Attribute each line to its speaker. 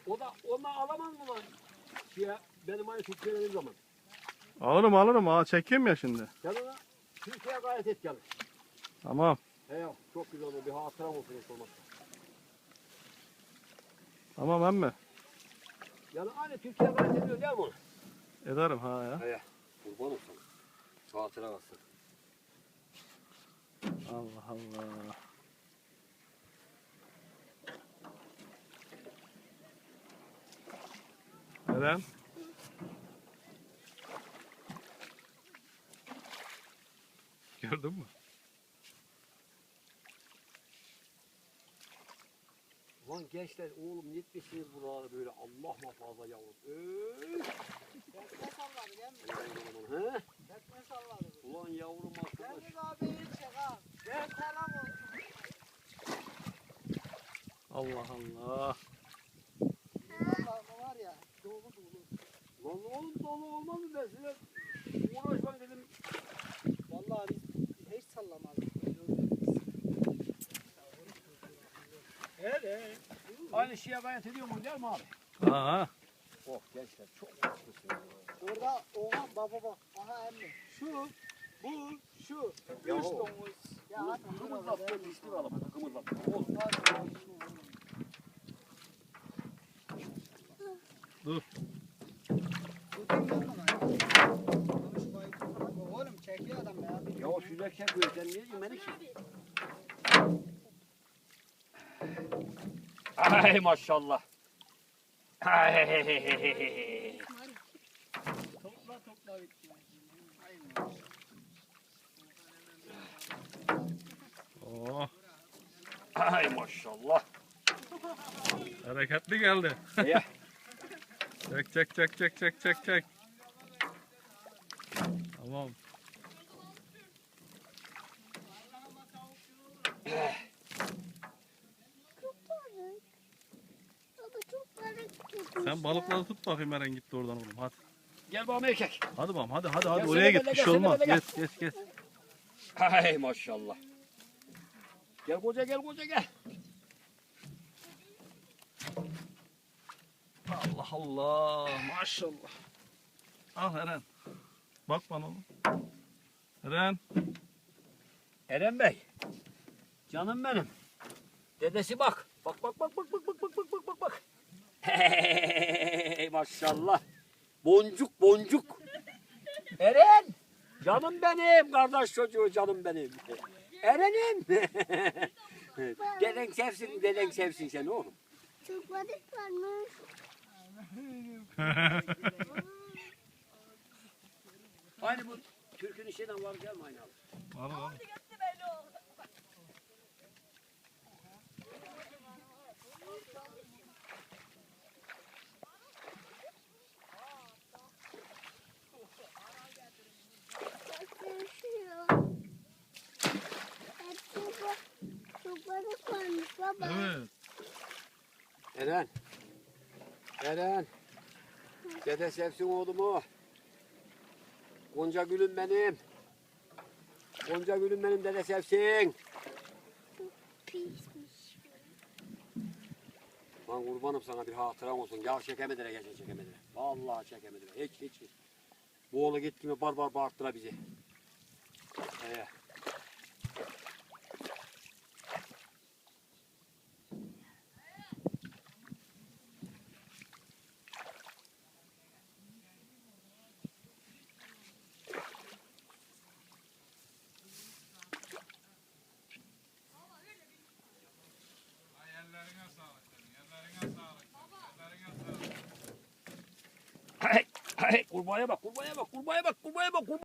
Speaker 1: O da ondan alamaz mı lan? Benim aynı Türkiye'nin zaman.
Speaker 2: Alırım. Aa, çekeyim ya şimdi.
Speaker 1: Yanına Türkiye'ye gayret et gel.
Speaker 2: Tamam.
Speaker 1: He ya çok güzel oldu. Bir hatıram olsun hiç olmazsa.
Speaker 2: Tamam emmi.
Speaker 1: Yani aynı Türkiye'ye gayret ediyor değil mi onu?
Speaker 2: Ederim ha ya.
Speaker 1: He ya. Kurban olsun. Hatıra kalsın.
Speaker 2: Allah Allah. Neden? Gördün mü?
Speaker 1: Lan gençler oğlum yetmişsiniz buraları böyle Allah muhafaza yavrum.
Speaker 3: Tekme salladı değil mi?
Speaker 1: He?
Speaker 3: Tekme salladı.
Speaker 1: Ulan yavrum arkadaş.
Speaker 3: Deniz abi iyi çek ha. Ben selam olsun.
Speaker 2: Allah Allah.
Speaker 3: Vallahi var ya dolu dolu.
Speaker 1: Lan oğlum dolu olmaz mı ben size uğraşmak dedim.
Speaker 3: Vallahi biz hiç sallamazdık.
Speaker 1: Evet. Aynı şeye gayret ediyor mu değil mi abi?
Speaker 2: Aha.
Speaker 1: Oh gençler çok haklısın.
Speaker 3: Orada oha baba bak. Aha emmi. Şu, bu, şu.
Speaker 1: Ya
Speaker 3: Üç
Speaker 1: o.
Speaker 3: domuz. Ya hadi
Speaker 1: Kımıldap ben içtim alalım. Kımıldap. Oh.
Speaker 2: Dur.
Speaker 3: Oğlum çekiyor adam ya.
Speaker 1: Ya o süzek çekiyor sen niye diyorsun beni ki? Ay maşallah. Ay.
Speaker 3: Topla bitti.
Speaker 2: Oh.
Speaker 1: Ay maşallah.
Speaker 2: Hareketli geldi.
Speaker 1: Ya.
Speaker 2: Çek. Tamam. Sen balıkları tut bakayım Eren gitti oradan oğlum hadi.
Speaker 1: Gel bana erkek.
Speaker 2: Hadi babam hadi
Speaker 1: Gelsene
Speaker 2: oraya git
Speaker 1: böyle,
Speaker 2: bir şey
Speaker 1: gelsene
Speaker 2: olmaz.
Speaker 1: böyle,
Speaker 2: Geç.
Speaker 1: Ay maşallah. Gel koca gel.
Speaker 2: Allah Allah maşallah. Al Eren. Bak bana oğlum. Eren.
Speaker 1: Eren Bey. Canım benim. Dedesi bak. Bak. Hey maşallah. Boncuk. Eren. Canım benim. Kardeş çocuğu canım benim. Eren'im. Deden sevsin seni oğlum.
Speaker 4: Çok balık varmış.
Speaker 1: Aynı bu Türk'ün işinden var gelme aynı abi.
Speaker 2: Al.
Speaker 4: Çok balık varmış baba.
Speaker 2: Evet.
Speaker 1: Eren. Dede sevsin oğlumu. Gonca gülüm benim. Dede sevsin.
Speaker 4: Pismiş.
Speaker 1: Lan kurbanım sana bir hatıram olsun. Ya çekemediler geçen çekemediler. Vallahi çekemediler. Hiç. Bu oğlu gitti mi bar bağırttılar bizi. Kurbağaya bak.